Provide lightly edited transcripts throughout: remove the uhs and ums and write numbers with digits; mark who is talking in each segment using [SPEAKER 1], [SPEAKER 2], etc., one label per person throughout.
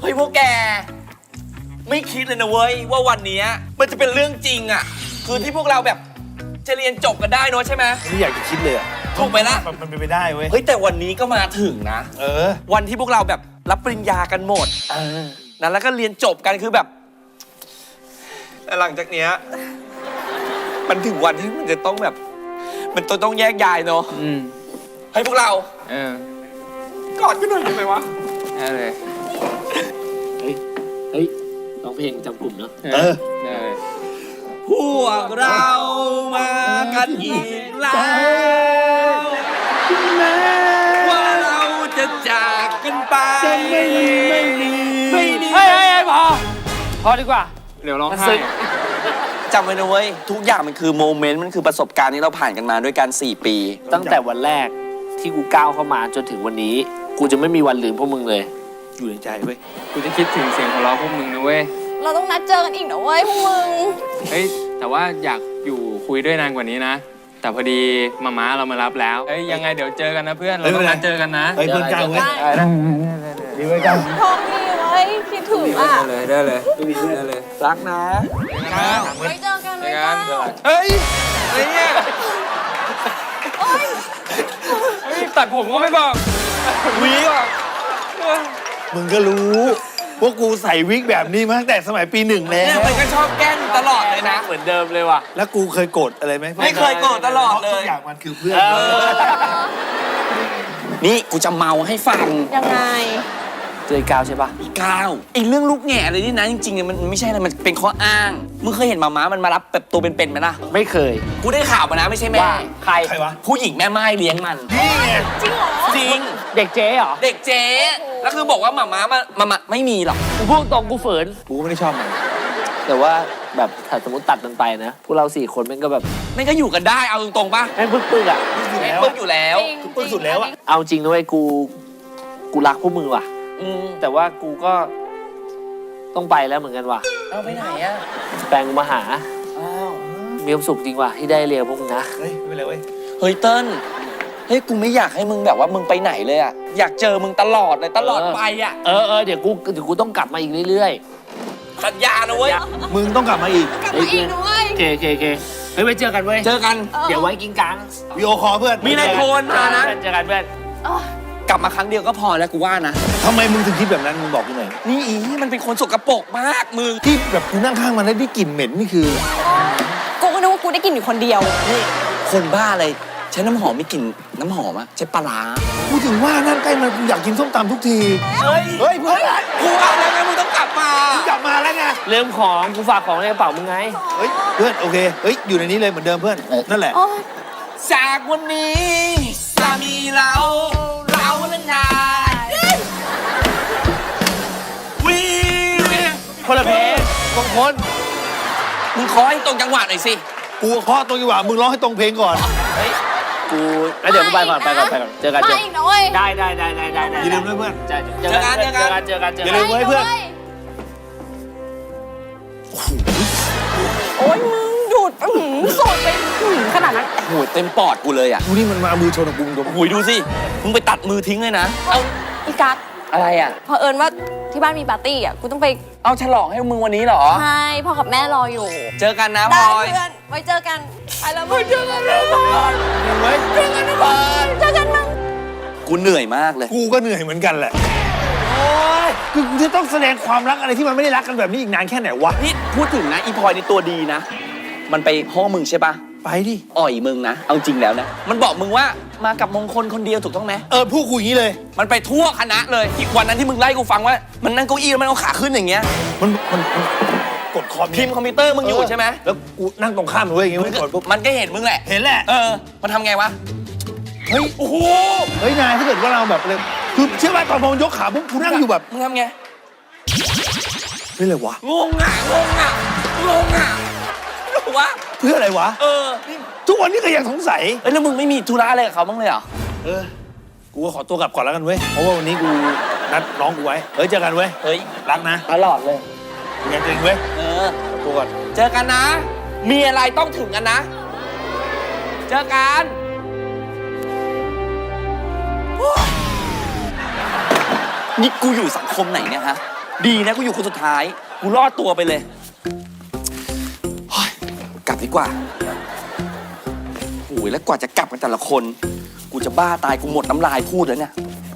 [SPEAKER 1] ฮ้ยพวกแกไม่คิดเลยนะเว้ยว่าวันนี้มันจะเป็นเรื่องจริงอ่ะคือที่พวกเราแบบจะเรียนจบกันได้เนอะใช่ไหม
[SPEAKER 2] ไม่อยากจะคิดเลยอะ
[SPEAKER 1] ถูกไหมล่ะ
[SPEAKER 2] มันเป็นไปได้เว้ย
[SPEAKER 1] เฮ้ยแต่วันนี้ก็มาถึงนะวันที่พวกเราแบบรับปริญญากันหมดนั้นแล้วก็เรียนจบกันคือแบบแต่หลังจากเนี้ยมันถึงวันที่มันจะต้องแบบมันต้องแยกย้ายเนอะให้พวกเรากอดกันหน่อยได้ไหมวะ
[SPEAKER 3] ได้เลย
[SPEAKER 4] เฮ้ยร้องเพลงจำกลุ่มเนาะ
[SPEAKER 3] ได้เลย
[SPEAKER 1] พวกเรามากันอีกแล้วว่าเราจะจากกันไปไม่ดี
[SPEAKER 4] เฮ้ยพอดีกว่า
[SPEAKER 3] เดี๋ยวร้องไห้
[SPEAKER 1] จำไว้นะเว้ยทุกอย่างมันคือโมเมนต์มันคือประสบการณ์ที่เราผ่านกันมาด้วยกัน4 ปี
[SPEAKER 4] ตั้งแต่วันแรกที่กูก้าวเข้ามาจนถึงวันนี้กูจะไม่มีวันลืมพวกมึงเลย
[SPEAKER 2] อยู่ในใจเว้ย
[SPEAKER 3] กูจะคิดถึงเสียงของเราพวกมึงนะเว้ย
[SPEAKER 5] เราต้องนัดเจอกันอีกนะเว้ยพวกมึง
[SPEAKER 3] เฮ้ยแต่ว่าอยากอยู่คุยด้วยนานกว่านี้นะแต่พอดีม้าเรามารับแล้วเฮ้ยยังไงเดี๋ยวเจอกันนะเพื่อนเราต้องนัดเจอกันนะ
[SPEAKER 2] เฮ้ยเพื่อนเจ้าเว้ยดีเว้ย
[SPEAKER 5] พร้อมดีเว้ยคิดถึงอ่ะ
[SPEAKER 3] ได้เลย
[SPEAKER 1] รักนะ
[SPEAKER 5] ไว้เจอกันไว้เจอกัน
[SPEAKER 1] เฮ้ยอะไรเนี่ย
[SPEAKER 3] ตัดผมก็ไม่บอก
[SPEAKER 1] วิกอ่ะ
[SPEAKER 2] มึงก็รู้ว่ากูใส่วิกแบบนี้มาตั้งแต่สมัยปี 1แล้ว
[SPEAKER 1] เนี่ยมันก็ชอบแกล้งตลอดเลยนะ
[SPEAKER 4] เหมือนเดิมเลยว่ะ
[SPEAKER 2] แล้วกูเคยโกรธอะไรไหม
[SPEAKER 1] ไม่เคยโกรธตลอดเลย
[SPEAKER 2] ทุกอย่างมันคือเพื่อน
[SPEAKER 1] นี่กูจะเมาให้ฟัง
[SPEAKER 5] ยังไง
[SPEAKER 4] เจอก้าวใช่ปะ
[SPEAKER 1] ก้าวไอ้เรื่องลูกแง่อะไรนี่นะจริงๆเนี่ยมันไม่ใช่อะไรมันเป็นข้ออ้างมึงเคยเห็นม้ามันมารับแบบตัวเป็นๆไหมล่ะ
[SPEAKER 4] ไม่เคย
[SPEAKER 1] กูได้ข่าวมานะไม่ใช่แม่
[SPEAKER 4] ใคร
[SPEAKER 2] วะ
[SPEAKER 1] ผู้หญิงแม่ไม้เลี้ยงมัน
[SPEAKER 2] นี่ไง
[SPEAKER 5] จริงเหรอ
[SPEAKER 1] จริง
[SPEAKER 4] เด็กเจ๊เหรอ
[SPEAKER 1] เด็กเจ๊แล้วคือบอกว่าม้ามาไม่มีหรอก
[SPEAKER 4] กูพูดตรงกูฝืน
[SPEAKER 2] กูไม่ได้ชอบมัน
[SPEAKER 4] แต่ว่าแบบถ้าสมมติตัดมันไปนะพวกเรา4 คนมันก็แบบ
[SPEAKER 1] ไม่ก็อยู่กันได้เอาตรงๆป่ะ
[SPEAKER 4] แม่งปึ๊กอ่ะ
[SPEAKER 1] แม่งปึ๊กอยู่แล้ว
[SPEAKER 2] ปึ๊กสุดแล้วอะ
[SPEAKER 4] เอาจริงนะเว้ยกูรักพวกมึงว่ะแต่ว่ากูก็ต้องไปแล้วเหมือนกันว่ะ
[SPEAKER 1] เอาไปไหนอะ
[SPEAKER 4] แปลงมาหามีความสุขจริงว่ะที่ได้เรียนพวกมึงนะ
[SPEAKER 2] เฮ้ยไม่เป็นไรเว้ย
[SPEAKER 1] เฮ้ยเติ้ลเฮ้ยกูไม่อยากให้มึงแบบว่ามึงไปไหนเลยอะอยากเจอมึงตลอดเลยตลอดไปอะ
[SPEAKER 4] เดี๋ยวกูต้องกลับมาอีกเรื่อย
[SPEAKER 1] ๆสัญญานะเว้ย
[SPEAKER 2] มึงต้องกลับมาอีก
[SPEAKER 5] กลับมาอีกด้วย
[SPEAKER 4] เคเฮ้ยไว้เจอกันเว้ย
[SPEAKER 1] เจอกัน
[SPEAKER 4] เดี๋ยวไว้กินกัง
[SPEAKER 2] วิดีโอคอลเพื่อน
[SPEAKER 1] มีนายโทนมานะ
[SPEAKER 4] เจอกันเพื่อน
[SPEAKER 1] กลับมาครั้งเดียวก็พอแล้วกูว่านะ
[SPEAKER 2] ทำไมมึงถึงคิดแบบนั้นมึงบอกกูหน่อย
[SPEAKER 1] นี่มันเป็นคนสกปรกมากมึง
[SPEAKER 2] ที่แบบกูนั่งข้างมันแล้วได้กลิ่นเหม็นนี่คือ
[SPEAKER 5] กูก็นึกว่ากูได้กินอยู่คนเดียว
[SPEAKER 1] นี่คนบ้าอะไรใช้น้ำหอมไม่กลิ่นน้ำหอมอะใช้ปลาร้า
[SPEAKER 2] กูถึงว่านั่งใกล้มันกูอยากกินส้มตำทุกที
[SPEAKER 1] เฮ้ยเพื่อนกูเอาแล้วไงมึงต้องกลับมา
[SPEAKER 2] แล้วไง
[SPEAKER 4] เรื่องของกูฝากของในกระเป๋ามึงไง
[SPEAKER 2] เฮ้ยเพื่อนโอเคเฮ้ยอยู่ในนี้เลยเหมือนเดิมเพื่อนนั่นแหละ
[SPEAKER 1] จากวันนี้สามีเราและนาย
[SPEAKER 4] คนละเพลงคน
[SPEAKER 1] มึงขอให้ตรงจังหวะหน่อยสิ
[SPEAKER 2] กูขอตรงจังหวะมึงร้องให้ตรงเพลงก่อน
[SPEAKER 4] เฮ้ยกูแล้วเดี๋ยวกูไปก่อนเจอกัน
[SPEAKER 5] มาอีกนะเว้ย
[SPEAKER 4] ได้
[SPEAKER 2] อย่าลืมด้วยเพื่อน
[SPEAKER 4] เจอกัน
[SPEAKER 2] อย่าลืมไว้เพื่อน
[SPEAKER 5] โอ้ยมึงหยุดสดไปขนาดนั้น
[SPEAKER 1] โอ้ยเต็มปอดกูเลยอ่ะ
[SPEAKER 2] กูนี่มันมามือชนกับกูตรง
[SPEAKER 1] หุยดูสิมึงไปตัดมือทิ้งเลยนะ
[SPEAKER 5] เอาอีกัส
[SPEAKER 1] อะไรอ่ะ
[SPEAKER 5] พอเอิญว่าที่บ้านมีปาร์ตี้อ่ะกูต้องไป
[SPEAKER 1] เอาฉลองให้มึงวันนี้เหรอ
[SPEAKER 5] ใช่พ่อกับแม่รออยู่
[SPEAKER 1] เจอกันนะพลอย
[SPEAKER 5] เพื่อนไว้เจอกันไปแล้วไว้เจอกันนะพลอยเจอกันนะพลอยเจอกันนะ
[SPEAKER 1] กูเหนื่อยมากเลย
[SPEAKER 2] กูก็เหนื่อยเหมือนกันแหละโอ้ยคือกูจะต้องแสดงความรักอะไรที่มันไม่ได้รักกันแบบนี้อีกนานแค่ไหนวะ
[SPEAKER 1] นี่พูดถึงนะอีพลอยนี่ตัวดีนะมันไปห้องมึงใช่ปะ
[SPEAKER 2] ไปดิ
[SPEAKER 1] อ่อยมึงนะเอาจริงแล้วนะมันบอกมึงว่ามากับมงคลคนเดียวถูกต้องไหม
[SPEAKER 2] พูดกูอย่างนี้เลย
[SPEAKER 1] มันไปทั่วคณะเลยอีกวันนั้นที่มึงไล่กูฟังว่ามันนั่งเก้าอี้แล้วมันเอาขาขึ้นอย่างเงี้ย
[SPEAKER 2] มันกด
[SPEAKER 1] พิมพ์คอมพิวเตอร์มึงอยู่ใช่ไหม
[SPEAKER 2] แล้วกูนั่งตรงข้ามเลยอย่างเงี้ย
[SPEAKER 1] มันก็เห็นมึงแหละ
[SPEAKER 2] เห็นแหละ
[SPEAKER 1] มันทำไงวะ
[SPEAKER 2] เฮ้ยโอ้โหเฮ้ยนายถ้าเกิดว่าเราแบบเลยคือเชื่อว่าตอนมองยกขาปุ๊บกูนั่งอยู่แบบ
[SPEAKER 1] มึงทำไง
[SPEAKER 2] เฮ้ยอะไรวะ
[SPEAKER 1] งงอ่ะวะ
[SPEAKER 2] เพื่ออะไรวะทุกวันนี้ก็ยังสงสัย
[SPEAKER 1] แล้วมึงไม่มีธุระอะไรกับเขาบ้างเลยเหรอ
[SPEAKER 2] กูก็ขอตัวกลับก่อนแล้วกันเว้ยเพราะว่าวันนี้กูนัดน้องกูไว้เจอกันเว้ยรักนะ
[SPEAKER 1] ตลอดเลย
[SPEAKER 2] งานจริงเว้ยตัวก่อน
[SPEAKER 1] เจอกันนะมีอะไรต้องถึงกันนะเจอกันนี่กูอยู่สังคมไหนเนี่ยฮะดีนะกูอยู่คนสุดท้าย กูรอดตัวไปเลยเฮ้ยกลับดีกว่าโอ้ยแล้วกว่าจะกลับกันแต่ละคน กูจะบ้าตายกูหมดน้ำลายพูดแล้วเนี่ย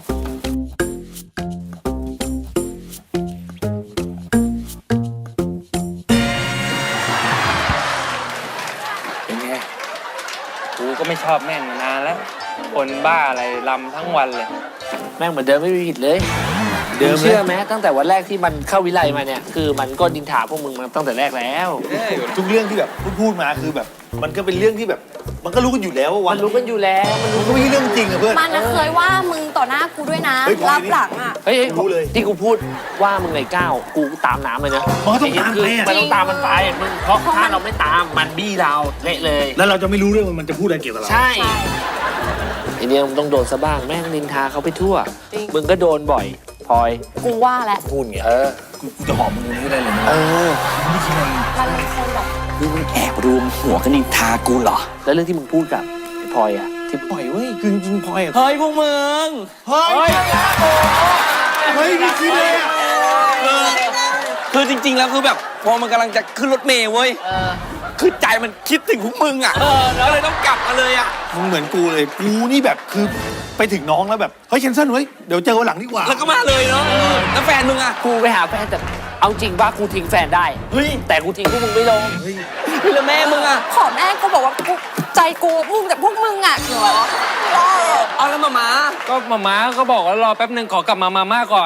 [SPEAKER 3] เป็นไง กูก็ไม่ชอบแม่งมานานแล้ว คนบ้าอะไรลำทั้งวันเลย
[SPEAKER 4] แม่งเหมือนเดิมไม่มีผิดเลย
[SPEAKER 2] เดิม
[SPEAKER 4] มึงเชื่อไหมตั้งแต่วันแรกที่มันเข้าวิไลมาเนี่ย คือมันก็ดินถาพวกมึงมาตั้งแต่แรกแล้ว
[SPEAKER 2] ทุกเรื่องที่แบบพูดมาคือแบบ มันก็เป็นเรื่องที่แบบ มันก็รู้กันอยู่แล้วว่าวั
[SPEAKER 4] มัน นรู้กันอยู่แล้วมันรู้
[SPEAKER 2] มันก็ไม่ใช่เรื่องจริงอะเพื่อน
[SPEAKER 5] มันนะเคยว่ามึงต่อหน้ากูด้วยนะ
[SPEAKER 2] เฮ้ยพอ
[SPEAKER 5] รับหลังอ่ะ
[SPEAKER 4] เฮ้ย
[SPEAKER 2] รู้เลย
[SPEAKER 4] ที่กูพูดว่ามึงไอ้ก้าวกูตามน้ำเลยนะ
[SPEAKER 2] มันก็ต้องตามไปอะ
[SPEAKER 4] มันต้องตามมันไปมึงเพราะถ้าเราไม่ตามมันบี้เราเละเลย
[SPEAKER 2] แล้วเราจะไม่รู้เรื่องว่ามันจะพูดอะไรเกี่ยวกับเรา
[SPEAKER 4] ใช่ไอเนี่ยมึงต้องโดนซะบ้างแม่งนินทาเขาไปทั่ว
[SPEAKER 5] จริง
[SPEAKER 4] มึงก็โดนบ่อยพลอย
[SPEAKER 5] กูว่าแล้ว
[SPEAKER 2] พูดอย่างเงี้ยกูจะหอมมึงไม่ได้เลยนะ
[SPEAKER 5] มันเป็นคนแบบ
[SPEAKER 1] นี่มึงแอบรวมหัวกันนินทากูเหรอ
[SPEAKER 4] แล้วเรื่องที่มึงพูดกับไอ้พลอยอะที่
[SPEAKER 2] ปล่อยเว้ยคือจริงๆพลอยอะ
[SPEAKER 1] เฮ้ยพวกมึง
[SPEAKER 2] เฮ้ยเฮ้ยไม่คิดเลยอะ
[SPEAKER 1] คือจริง ๆ แล้วคือแบบพอมันกำลังจะขึ้นรถเมล์เว้ย คือใจมันคิดถึงพวกมึงอ่ะแล้วเลยต้องกลับมาเลยอ่ะ
[SPEAKER 2] มึงเหมือนกูเลยกูนี่แบบคือไปถึงน้องแล้วแบบเฮ้ยแคนเซิลเว้ยเดี๋ยวเจอวันหลังดีกว่า
[SPEAKER 1] แล้วก็มาเลยเนาะแล้วแฟนมึงอ่ะ
[SPEAKER 4] กูไปหาแฟนแต่เอาจริงว่ากูทิ้งแฟนได้
[SPEAKER 1] เฮ้ย
[SPEAKER 4] แต่กูทิ้งพวกมึงไม่ลง
[SPEAKER 1] เฮ้ยแล้วแม่มึงอ่ะ
[SPEAKER 5] ขอแม่กูบอกว่ากูใจกูพุ่งจากพวกมึงอ่ะเหรอ
[SPEAKER 1] เอาแล้วมา
[SPEAKER 3] ก็มาม่าก็บอกว่ารอแป๊บหนึ่งขอกลับมามาม่าก่อน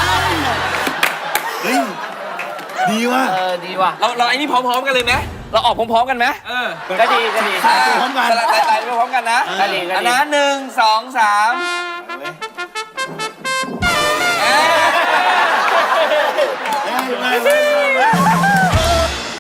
[SPEAKER 2] เฮ้ยดีว่ะ
[SPEAKER 4] ดีว่ะ
[SPEAKER 1] เราไอ้นี่พร้อมๆกันเลยไหมเราออกพร้อมๆกันไหม
[SPEAKER 4] ก็ดีก็ดี
[SPEAKER 2] พร้อมกัน
[SPEAKER 1] สลัดไตไปพร้อมกันนะ
[SPEAKER 4] ก็ดีก็ดี
[SPEAKER 1] อันนั้น1 2 3